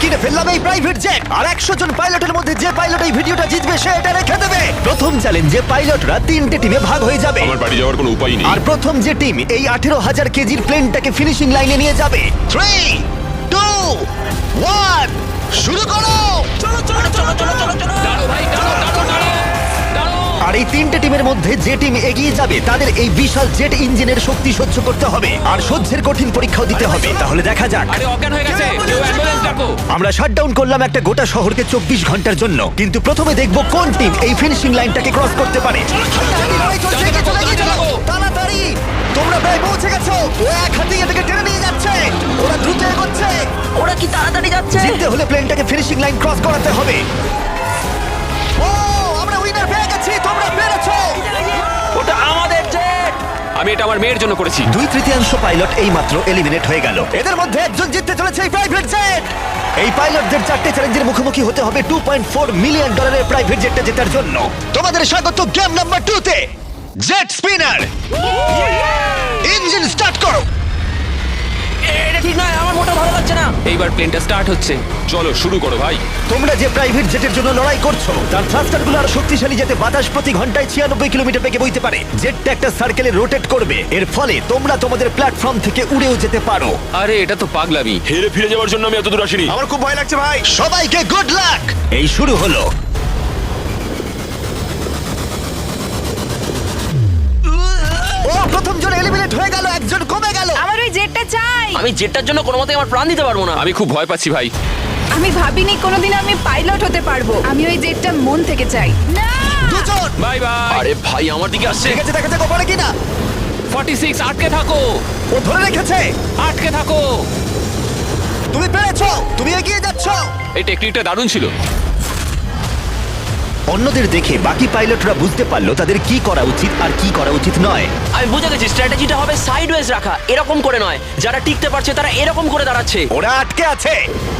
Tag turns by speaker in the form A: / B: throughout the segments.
A: কিনে ফেললাম এই প্রাইভেট জেট আর 100 জন পাইলটের মধ্যে যে পাইলট এই ভিডিওটা জিতবে সে এটা রেখে দেবে। প্রথম চ্যালেঞ্জে পাইলটরা 3টে টিমে ভাগ হয়ে যাবে।
B: আমার বাড়ি যাওয়ার কোনো উপায় নেই।
A: আর প্রথম যে টিম এই 18,000 কেজির প্লেনটাকে ফিনিশিং লাইনে নিয়ে যাবে। 3, 2, 1 শুরু করো। আর এই 3টে টিমের মধ্যে যে টিম এগিয়ে যাবে তাদের এই বিশাল জেট ইঞ্জিনের শক্তি সহ্য করতে হবে আর সহ্যের কঠিন পরীক্ষাও দিতে হবে। তাহলে দেখা যাক।
C: আরে অজ্ঞান হয়ে গেছে, কেউ অ্যাম্বুলেন্স ডাকো।
A: আমরা শাটডাউন করলাম একটা গোটা শহরকে 24 ঘন্টার জন্য, কিন্তু প্রথমে দেখব কোন টিম এই ফিনিশিং লাইনটাকে ক্রস করতে পারে। তাড়াতাড়ি, তোমরা প্রায় পৌঁছে গেছো। ও এক হাতে এটাকে টেনে নিয়ে যাচ্ছে। ওরা দ্রুত এগোচ্ছে।
D: ওরা কি তাড়াতাড়ি যাচ্ছে?
A: জিততে হলে প্লেনটাকে ফিনিশিং লাইন ক্রস করাতে হবে। ও, আমরা উইনার পেয়ে গেছি। তোমরা পেরেছো।
C: ওটা আমাদের জেট। আমি এটা আমার মেয়ের জন্য করেছি।
A: 2/3 পাইলট এইমাত্র এলিমিনেট হয়ে গেল। এদের মধ্যে একজন জিততে চলেছে এই প্রাইভেট জেট। এই পাইলটদের 4টে চ্যালেঞ্জের মুখোমুখি হতে হবে $2.4 মিলিয়ন প্রাইভেট জেটটা জেতার জন্য। তোমাদের স্বাগত গেম নাম্বার 2 তে। জেট স্পিনার, ইঞ্জিন স্টার্ট করো।
D: এটা ঠিক নয়, আমার মোটা ভালো লাগছে না।
C: এইবার প্লেনটা স্টার্ট হচ্ছে।
B: চলো শুরু করো ভাই।
A: তোমরা যে প্রাইভেট জেটের জন্য লড়াই করছো তার থ্রাস্টারগুলো আরো শক্তিশালী, যাতে বাতাস প্রতি ঘন্টায় 96 কিলোমিটার বেগে বইতে পারে। জেটটা একটা সার্কেলে রোটেট করবে, এর ফলে তোমরা তোমাদের প্ল্যাটফর্ম থেকে উড়েও যেতে পারো।
C: আরে এটা তো পাগলামি।
B: হেরে ফিরে যাওয়ার জন্য আমি এত দূর আসিনি।
A: আমার খুব ভয় লাগছে ভাই। সবাইকে গুড লাক। এই শুরু হলো। ও, প্রথম জন এলিমিনেট হয়ে গেল, একজন কমে গেল।
E: আমার ওই জেটটা চাই।
D: আমি জেটটার জন্য কোনো মতে আমার প্রাণ দিতে পারবো না।
C: আমি খুব ভয় পাচ্ছি ভাই।
E: আমি ভাবিনি কোনোদিন আমি পাইলট হতে পারবো। আমি ওই জেটটা মন থেকে চাই। না,
A: দুজন।
C: Bye bye.
D: আরে ভাই, আমার দিকে আসছে।
A: ঠিক আছে, দেখা যাক ও পারে কিনা।
C: 46 আটকে থাকো।
A: ও ধরে রেখেছে।
C: আটকে থাকো।
A: তুমি পেরেছো, তুমি এগিয়ে যাচ্ছ।
C: এই টেকনিকটা দারুণ ছিল।
A: অন্যদের দেখে বাকি পাইলটরা বুঝতে পারলো তাদের কি করা উচিত আর কি করা উচিত নয়।
D: আমি বুঝে গেছি, স্ট্র্যাটেজিটা হবে সাইডওয়েজ রাখা, এরকম করে নয়। যারা টিকতে পারছে তারা এরকম করে দাঁড়াচ্ছে।
A: ওরা আটকে আছে।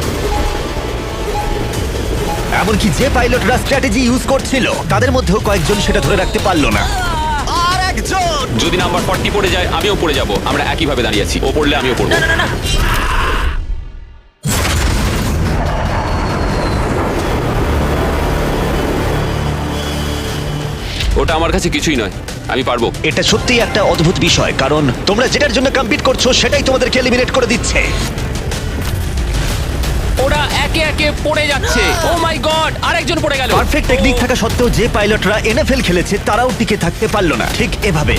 A: এমনকি যে পাইলটরা স্ট্র্যাটেজি ইউজ করছিল তাদের মধ্যেও কয়েকজন সেটা ধরে রাখতে পারলো না। আর একজন।
C: যদি নাম্বার 40 পড়ে যায় আমিও পড়ে যাব। আমরা একই ভাবে দাঁড়িয়ে আছি। ও পড়লে আমিও পড়বো।
D: না না না,
C: ওটা আমার কাছে কিছুই নয়, আমি পারবো।
A: এটা সত্যিই একটা অদ্ভুত বিষয়, কারণ তোমরা যেটার জন্য কম্পিট করছো সেটাই তোমাদেরকে এলিমিনেট করে দিচ্ছে।
C: ওরা একে একে পড়ে যাচ্ছে। ও মাই গড, আরেকজন পড়ে গেল।
A: পারফেক্ট টেকনিক থাকা সত্ত্বেও যে পাইলটরা এনএফএল খেলেছে তারাও টিকে থাকতে পারলো না ঠিক এভাবে।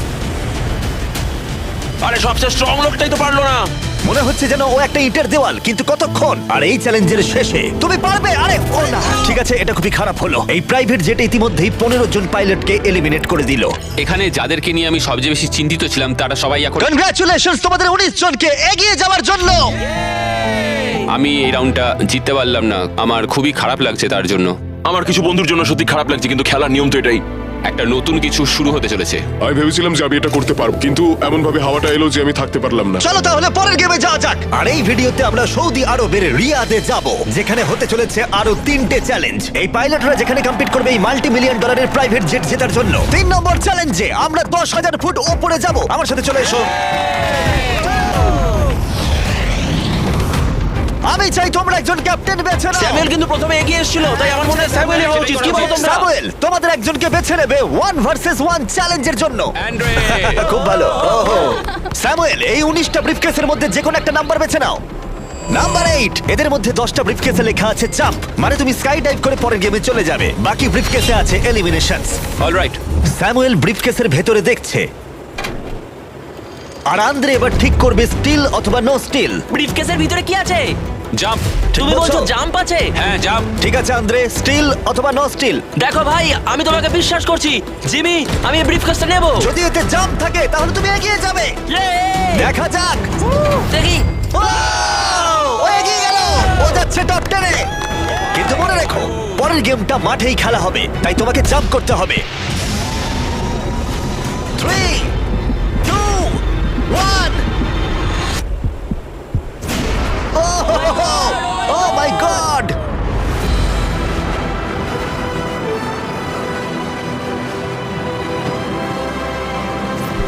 D: আরে সবচেয়ে স্ট্রং লোকটাই তো পারলো না।
A: মনে হচ্ছে যেন ও একটা ইটের দেওয়াল, কিন্তু কতক্ষণ। আর এই চ্যালেঞ্জের শেষে তুমি পারবে। আরে ও না, ঠিক আছে, এটা খুবই খারাপ হলো। এই প্রাইভেট জেট ইতিমধ্যেই 15 জন পাইলটকে এলিমিনেট করে দিল।
C: এখানে যাদেরকে নিয়ে আমি সবচেয়ে বেশি চিন্তিত ছিলাম তারা সবাই এখন।
A: কনগ্রাচুলেশনস তোমাদের 19 জনকে এগিয়ে যাওয়ার জন্য।
C: আমি এই রাউন্ডটা জিততে পারলাম না, আমার খুবই খারাপ লাগছে তার জন্য।
B: আমার কিছু বন্ধুর জন্য সত্যি খারাপ লাগছে, কিন্তু খেলার নিয়ম তো এটাই।
C: একটা নতুন কিছু শুরু হতে চলেছে।
F: আমি ভেবেছিলাম যে আমি এটা করতে পারবো, কিন্তু এমন ভাবে হাওয়াটা এলো যে আমি থাকতে পারলাম না।
A: চলো তাহলে পরের গেমে যাওয়া যাক। আর এই ভিডিওতে আমরা সৌদি আরবের রিয়াদে যাব, যেখানে হতে চলেছে আরো 3টে চ্যালেঞ্জ। এই পাইলটরা যেখানে কম্পিট করবে এই $multi-million প্রাইভেট জেট জেতার জন্য। 3 নম্বর চ্যালেঞ্জে আমরা 10,000 ফুট উপরে যাব। আমার সাথে চলে এসো। আমি চাই তোমরা একজন ক্যাপ্টেন বেছে নাও।
D: স্যামুয়েল কিন্তু প্রথমে এগিয়ে এসেছিল, তাই আমার মনে হয় স্যামুয়েল হওয়া উচিত। কি বলো তোমরা?
A: স্যামুয়েল, তোমাদের একজনকে বেছে নেবে 1 ভার্সেস 1 চ্যালেঞ্জের জন্য।
C: অ্যান্ড্রে।
A: খুব ভালো। ওহো, স্যামুয়েল, এই 19টা ব্রিফকেসের মধ্যে যে কোনো একটা নাম্বার বেছে নাও। নাম্বার 8। এদের মধ্যে 10টা ব্রিফকেসে লেখা আছে জাম্প, মানে তুমি স্কাই ডাইভ করে পরের গেমে চলে যাবে। বাকি ব্রিফকেসে আছে এলিমিনেশনস।
C: অলরাইট।
A: স্যামুয়েল ব্রিফকেসের ভেতরে দেখছে, আর আন্দ্রে এবার ঠিক করবে স্টিল অথবা নো স্টিল।
D: ব্রিফকেসের ভিতরে কি আছে?
C: জাম্প।
D: তুমি
A: বলছো?
D: বলছো জাম্প আছে?
C: হ্যাঁ জাম্প।
A: ঠিক আছে আন্দ্রে, স্টিল অথবা নো স্টিল।
D: দেখো ভাই, আমি তোমাকে বিশ্বাস করছি। জিমি, আমি এই ব্রিফকেসটা নেব।
A: যদি এতে জাম্প থাকে তাহলে তুমি এগিয়ে যাবে। দেখা যাক।
D: দেখি।
A: ও এগিয়ে গেল, ও যাচ্ছে টপ 10 এ। কিন্তু মনে রেখো, পরের গেমটা মাঠেই খেলা হবে, তাই তোমাকে জাম্প করতে হবে। 3, 2, 1। Oh my god!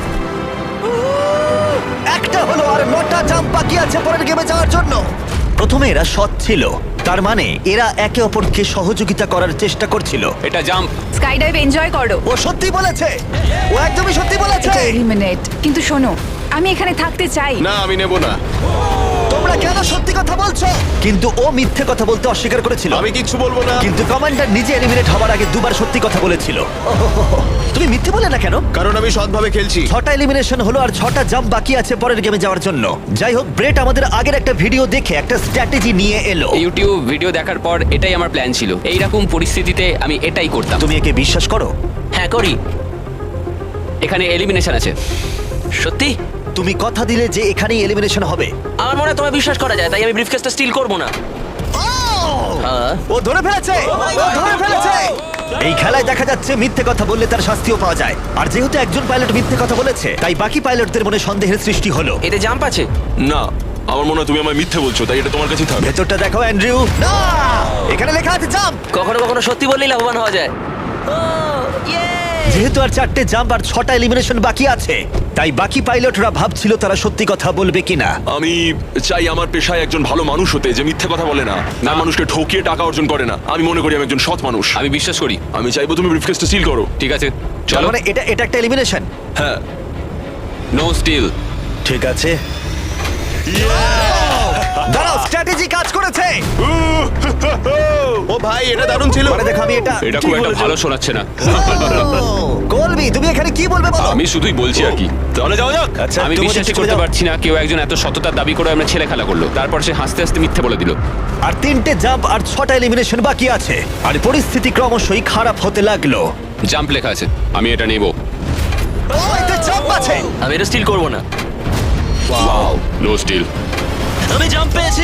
A: একটা হলো, আর 9টা জাম্প বাকি আছে পরের গেমে যাওয়ার জন্য। প্রথমে এরা সৎ ছিল, তার মানে এরা একে অপরকে সহযোগিতা করার চেষ্টা করছিল।
C: এটা জাম্প।
E: স্কাই ডাইভ এনজয় করো।
A: ও সত্যি বলেছে, ও একদমই সত্যি বলেছে।
E: এটা এলিমিনেট। কিন্তু শোনো, আমি এখানে থাকতে চাই।
F: না আমি নেব না।
A: তোমরা কেন সত্যি কথা বলছো? কিন্তু ও মিথ্যে কথা বলতে অস্বীকার করেছিল।
F: আমি কিচ্ছু বলবো না।
A: কিন্তু কমান্ডার নিজে এলিমিনেট হওয়ার আগে দুবার সত্যি কথা বলেছিল। ওহোহোহো। তুমি মিথ্যে বলে না কেন?
F: কারণ আমি সৎভাবে খেলছি।
A: 6টা এলিমিনেশন হলো আর 6টা জাম্প বাকি আছে পরের গেমে যাওয়ার জন্য। যাই হোক, ব্রেট আমাদের আগের একটা ভিডিও দেখে একটা স্ট্র্যাটেজি নিয়ে এলো।
C: ইউটিউব ভিডিও দেখার পর এটাই আমার প্ল্যান ছিল। এইরকম পরিস্থিতিতে আমি এটাই করতাম।
A: তুমি একে বিশ্বাস করো?
D: হ্যাঁ করি।
C: এখানে এলিমিনেশন আছে।
D: সত্যি
A: তুমি কথা দিলে যে এখানেই এলিমিনেশন হবে।
D: আমার মনে হয় তোমায় বিশ্বাস করা যায়, তাই আমি ব্রিফকেসটা স্টিল করব না। হ্যাঁ।
A: ও ধরে ফেলেছে, ও ধরে ফেলেছে। এই খেলায় দেখা যাচ্ছে মিথ্যে কথা বললে তার শাস্তিও পাওয়া যায়। আর যেহেতু একজন পাইলট মিথ্যে কথা বলেছে, তাই বাকি পাইলটদের মনে সন্দেহের সৃষ্টি হলো।
D: এতে জাম্প আছে?
B: না, আমার মনে হয় তুমি আমায় মিথ্যে বলছো, তাই এটা তোমার কাছেই থাকবে।
A: ভেতরটা দেখো অ্যান্ড্রিউ। না, এখানে লেখা আছে জাম্প।
D: কখনো কখনো সত্যি বললেই লাভবান হওয়া যায়।
A: যেহেতু আর 4টে জাম্প আর 6টা এলিমিনেশন বাকি আছে, তাই বাকি পাইলটরা ভাবছিল তারা সত্যি কথা বলবে কিনা।
B: আমি চাই আমার পেশায় একজন ভালো মানুষ হতে, যে মিথ্যে কথা বলে না, না মানুষকে ঠকিয়ে টাকা অর্জন করে না। আমি মনে করি আমি একজন সৎ মানুষ।
C: আমি বিশ্বাস করি।
B: আমি চাইবো তুমি ব্রিফকেসটা সিল করো।
C: ঠিক আছে,
A: তার
C: চলো।
A: মানে এটা একটা এলিমিনেশন।
B: হ্যাঁ।
C: No steal.
A: ঠিক আছে, দাঁড়াও, স্ট্র্যাটেজি কাজ করেছে।
F: ও ভাই এটা দারুণ ছিল।
A: মানে দেখো, আমি
C: এটা খুব একটা ভালো শোনাচ্ছে না।
A: কলবি, তুমি এখানে কি বলবে বলো?
C: আমি শুধুই বলছি আর কি।
B: তাহলে যাওয়া যাক।
A: আচ্ছা,
C: আমি
A: তুমি
C: বিশ্বাস
A: যদি
C: করতে
A: চলে যাও।
C: পারছি না কেউ একজন এত সততার দাবি করে আমরা ছেলে খেলা করলো, তারপর সে হাসতে হাসতে মিথ্যে বলে দিল।
A: আর 3টে জাম্প আর 6টা এলিমিনেশন বাকি আছে, আর পরিস্থিতি ক্রমশই খারাপ হতে লাগলো।
C: জাম্প লেখা আছে, আমি এটা নেব।
A: ও, এতে জাম্প আছে।
D: আমি এটা স্টিল করব না।
C: No steal.
D: আমি জাম্প পেয়েছি।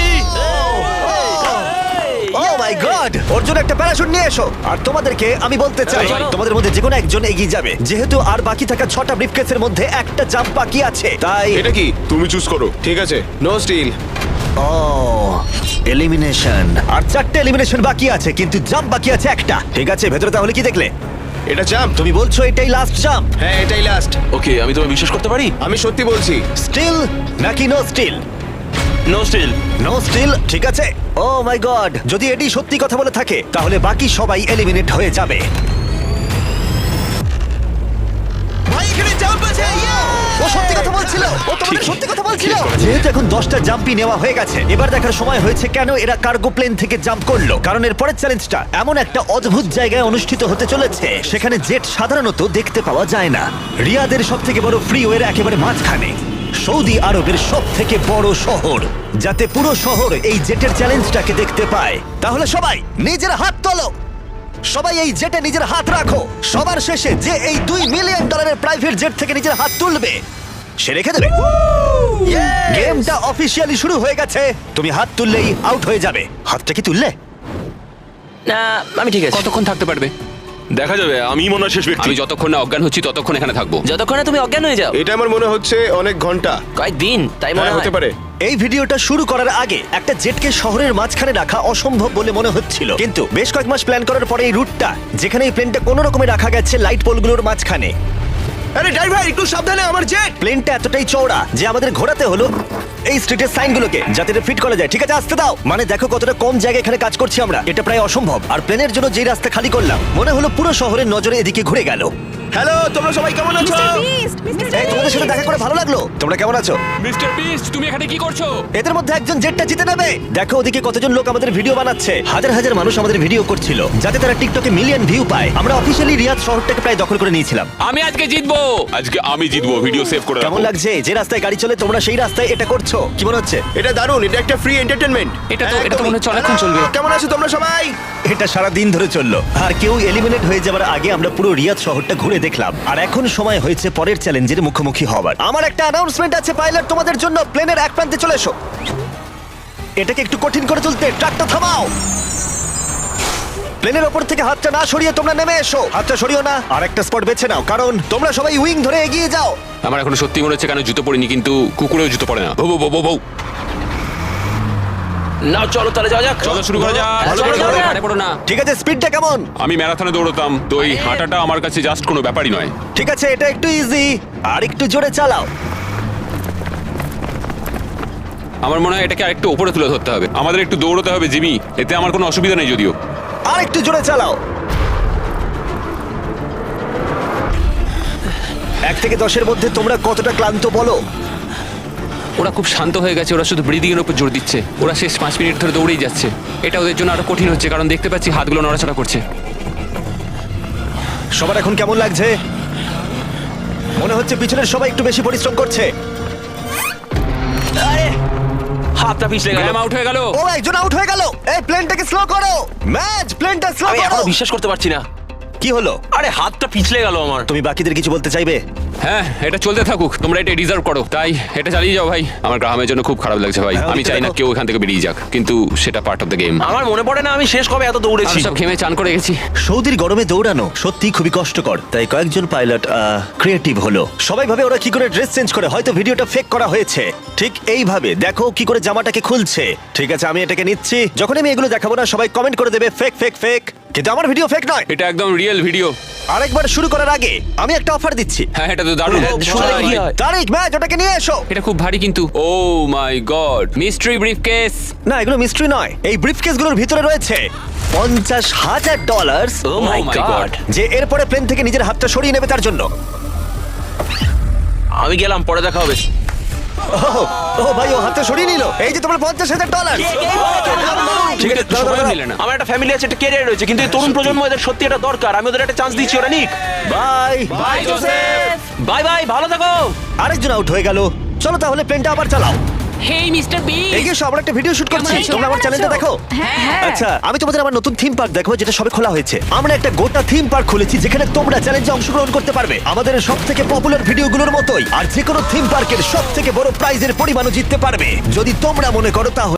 A: ও মাই গড, ওর জন্য একটা প্যারাশুট নিয়ে এসো। আর তোমাদেরকে আমি বলতে চাই,
D: চলো।
A: তোমাদের মধ্যে যে কোনো একজন এগিয়ে যাবে। যেহেতু আর বাকি থাকা 6টা ব্রিফকেসের মধ্যে একটা জাম্প বাকি আছে, তাই
F: এটা কি? তুমি চুজ করো। ঠিক আছে, নো স্টিল।
A: Oh elimination. আর 4টে এলিমিনেশন বাকি আছে, কিন্তু জাম্প বাকি আছে একটা। ঠিক আছে, ভেতরে তাহলে কি দেখলে?
F: এটা জাম্প।
A: তুমি বলছো এটাই লাস্ট জাম্প?
F: হ্যাঁ এটাই লাস্ট।
B: ওকে, আমি তোমায় বিশ্বাস করতে পারি?
F: আমি সত্যি বলছি।
A: স্টিল নাকি no steal?
B: No steal.
A: No steal, ঠিক আছে। ও মাই গড, যদি এটি সত্যি কথা বলে থাকে তাহলে বাকি সবাই এলিমিনেট হয়ে যাবে। ও সত্যি কথা বলছিল, ও তোমাদের সত্যি কথা বলছিল। যেহেতু এখন 10টা জাম্পই নেওয়া হয়ে গেছে, এবার দেখার সময় হয়েছে কেন এরা কার্গো প্লেন থেকে জাম্প করলো। কারণ এর পরের চ্যালেঞ্জটা এমন একটা অদ্ভুত জায়গায় অনুষ্ঠিত হতে চলেছে, সেখানে জেট সাধারণত দেখতে পাওয়া যায় না। রিয়াদের সবথেকে বড় ফ্রিওয়ের একেবারে মাঝখানে, সৌদি আরবের সবথেকে বড় শহর, যাতে পুরো শহর এই জেটের চ্যালেঞ্জটাকে দেখতে পায়। তাহলে সবাই নিজের হাত তোলো, সবাই এই জেটে নিজের হাত রাখো। সবার শেষে যে এই $2 মিলিয়ন প্রাইভেট জেট থেকে নিজের হাত তুলবে, সে রেখে দেবে। গেমটা অফিসিয়ালি শুরু হয়ে গেছে। তুমি হাত তুললেই আউট হয়ে যাবে। হাতটা কি তুললে?
D: না, আমি ঠিক আছে।
C: কতক্ষণ থাকতে পারবে?
B: দেখা যাবে, আমি মনে হয় শেষ ব্যক্তি।
C: আমি যতক্ষণ না অজ্ঞান হচ্ছি ততক্ষণ এখানে থাকবো।
D: যতক্ষণে তুমি অজ্ঞান হয়ে যাও।
F: এটা আমার মনে হচ্ছে অনেক ঘন্টা।
D: কয়েকদিন, তাই মনে
F: হ্যাঁ,
D: হয়।
F: হতে পারে।
A: এই ভিডিওটা শুরু করার আগে একটা জেটকে শহরের মাঝখানে রাখা অসম্ভব বলে মনে হচ্ছিল, কিন্তু বেশ কয়েক মাস প্ল্যান করার পরে এই রুটটা, যেখানে এই প্লেনটা কোনো রকমে রাখা গেছে লাইট পোলগুলোর মাঝখানে।
F: আরে ড্রাইভার একটু সাবধানে, আমার জেট।
A: প্লেনটা এতটাই চওড়া যে আমাদের ঘোরাতে হলো এই স্ট্রিটের সাইনগুলোকে, যাতে এটা ফিট করা যায়। ঠিক আছে, আসতে দাও। মানে দেখো কতটা কম জায়গা এখানে কাজ করছি আমরা, এটা প্রায় অসম্ভব। আর প্লেনের জন্য যেই রাস্তা খালি করলাম, মনে হলো পুরো শহরের নজরে এদিকে ঘুরে গেল।
F: হ্যালো, তোমরা সবাই কেমন আছো?
A: এই, তোমাদের সাথে দেখা করে ভালো লাগলো। তোমরা কেমন আছো?
C: মিস্টার বিস্ট, তুমি এখানে কি করছো?
A: এদের মধ্যে একজন জেটটা জিতে নেবে। দেখো ওদিকে কতজন লোক আমাদের ভিডিও বানাচ্ছে। হাজার হাজার মানুষ আমাদের ভিডিও করছিল, যাতে তারা টিকটকে মিলিয়ন ভিউ পায়। আমরা অফিসিয়ালি রিয়াদ শহরটাকে প্রায় দখল করে নিয়েছিলাম।
C: আমি আজকে জিতবো।
B: আজকে আমি জিতবো, ভিডিও সেভ করে
A: কেমন
B: রাখো।
A: লাগছে যে রাস্তায় গাড়ি চলে তোমরা সেই রাস্তায় এটা করছো? কি মনে হচ্ছে?
F: এটা দারুণ, এটা একটা ফ্রি এন্টারটেইনমেন্ট।
C: এটা তো মনে হচ্ছে অনেকক্ষণ চলবে।
F: কেমন আছো তোমরা সবাই?
A: এটা সারা দিন ধরে চললো, আর কেউ এলিমিনেট হয়ে যাবার আগে আমরা পুরো রিয়াদ শহরটা ঘুরে দেখলাম। আর এখন সময় হয়েছে পরের চ্যালেঞ্জের মুখোমুখি হবার। আমার একটা অ্যানাউন্সমেন্ট আছে পাইলট তোমাদের জন্য। প্লেনের এক প্রান্তে চলে এসো। এটাকে একটু কঠিন করে তুলতে ট্রাকটা থামাও। প্লেনের ওপর থেকে হাতটা না সরিয়ে তোমরা নেমে এসো। হাতটা সরিও না, আর একটা স্পট বেছে নাও, কারণ তোমরা সবাই উইং ধরে এগিয়ে যাও।
C: আমার এখন সত্যি মনে হচ্ছে কেন জুতো পরিনি, কিন্তু কুকুরেও জুতো পরে না। বউ বউ বউ বউ।
D: নাও চলো তাহলে যাওয়া যাক।
C: চলো শুরু করা যাক।
D: ভালো করে
C: চলো,
D: যাও।
C: হাঁটে পড়ো না।
A: ঠিক আছে, স্পিডটা কেমন?
C: আমি ম্যারাথনে দৌড়তাম, তো এই হাঁটাটা আমার কাছে জাস্ট কোনো ব্যাপারই নয়।
A: ঠিক আছে, এটা একটু ইজি, আর একটু জোরে চালাও।
C: আমার মনে হয় এটাকে আরেকটু উপরে তুলে ধরতে হবে। আমাদের একটু দৌড়তে হবে জিমি, এতে আমার কোনো অসুবিধা নেই যদিও।
A: আর একটু জোরে চালাও। 1 থেকে 10-এর মধ্যে তোমরা কতটা ক্লান্ত বলো?
C: ওরা খুব শান্ত হয়ে গেছে, ওরা শুধু ব্রিদিং এর উপর জোর দিচ্ছে। ওরা শেষ 5 মিনিট ধরে দৌড়েই যাচ্ছে। এটা ওদের জন্য আরো কঠিন হচ্ছে, কারণ দেখতে পাচ্ছি হাতগুলো নড়াচড়া করছে।
A: সবার এখন কেমন লাগছে? মনে হচ্ছে পিছনের সবাই একটু বেশি পরিশ্রম করছে।
D: আরে হাতটা পিছলে গেল।
C: গ্রাম আউট হয়ে গেল।
A: ও, একজন আউট হয়ে গেল। এই প্লেনটাকে স্লো করো। ম্যাচ, প্লেনটা স্লো
D: আমি
A: করো।
D: এখনো বিশ্বাস করতে পারছি না।
A: কি হলো?
D: আরে হাতটা পিছলে গেল আমার।
A: তুমি বাকিদের কিছু বলতে চাইবে?
C: হ্যাঁ, এটা চলতে থাকুক, তোমরা এটা ডিজার্ভ করো, তাই এটা চালিয়ে যাও ভাই। আমার গ্রামের জন্য খুব খারাপ লাগছে ভাই।
A: হ্যাঁ,
C: আমি
A: ওদিকটা
C: চাই না
A: দেখো।
C: কেউ এখান থেকে বেরিয়ে যাক, কিন্তু সেটা পার্ট অফ দ্য গেম।
D: আমার মনে পড়ে না আমি শেষ কবে এত দৌড়েছি।
C: সব ঘেমে চান করে গেছি।
A: সৌদির গরমে দৌড়ানো সত্যি খুবই কষ্টকর, তাই কয়েকজন পাইলট ক্রিয়েটিভ হলো। সবাই ভাবে ওরা কি করে ড্রেস চেঞ্জ করে, হয়তো ভিডিওটা ফেক করা হয়েছে। ঠিক এইভাবে দেখো কি করে জামাটাকে খুলছে। ঠিক আছে, আমি এটাকে নিচ্ছি। যখন আমি এগুলো দেখাবো না, সবাই কমেন্ট করে দেবে ফেক ফেক ফেক, কিন্তু আমার ভিডিও ফেক নয়।
C: এটা একদম রিয়েল ভিডিও।
A: আরেকবার শুরু করার আগে আমি একটা অফার দিচ্ছি।
C: হ্যাঁ, এটা তো দারুণ।
D: শুনে কি হয়?
A: তারিক, ম্যাচ, ওটাকে নিয়ে এসো।
C: এটা খুব ভারী কিন্তু। Oh my god, mystery briefcase.
A: না, এগুলো মিস্ট্রি নয়। এই ব্রিফকেসগুলোর ভিতরে রয়েছে $50,000,
D: oh my
C: my
D: god.
C: God.
A: যে এরপরে প্লেন থেকে নিজের হাতটা সরিয়ে নেবে তার জন্য।
D: আমি গেলাম, পরে দেখা হবে।
A: ও ভাই, ও হাতটা সরিয়ে নিল। এই যে তোমার $50,000।
C: ঠিক আছে,
A: দাঁড়াও,
C: সময়
A: দাঁড়াও।
C: নিলে না।
D: আমার একটা ফ্যামিলি আছে, একটা ক্যারিয়ার রয়েছে, কিন্তু এই তরুণ প্রজন্ম এদের সত্যি এটা দরকার। আমি ওদের একটা চান্স দিচ্ছি। ওরা Nick.
A: Bye.
D: Bye Joseph. Bye bye, ভালো থাকো।
A: আরেকজন আউট হয়ে গেল। চলো তাহলে প্লেনটা আবার চালাও।
G: হেই মিস্টার বিন,
A: এই যে আমরা একটা ভিডিও শুট করছি,
G: কেমন আছো?
A: তোমরা আমার চ্যানেলটা দেখো।
E: হ্যাঁ।
A: আচ্ছা, আমি তোমাদের আমার নতুন থিম পার্ক দেখাবো, যেটা সবে খোলা হয়েছে। আমরা একটা গোটা থিম পার্ক খুলেছি যেখানে তোমরা চ্যালেঞ্জে অংশগ্রহণ করতে পারবে আমাদের সব থেকে পপুলার ভিডিওগুলোর মতোই। আর যে কোনো থিম পার্কের সব থেকে বড় প্রাইজের পরিমাণও জিততে পারবে যদি তোমরা মনে করো তাহলে।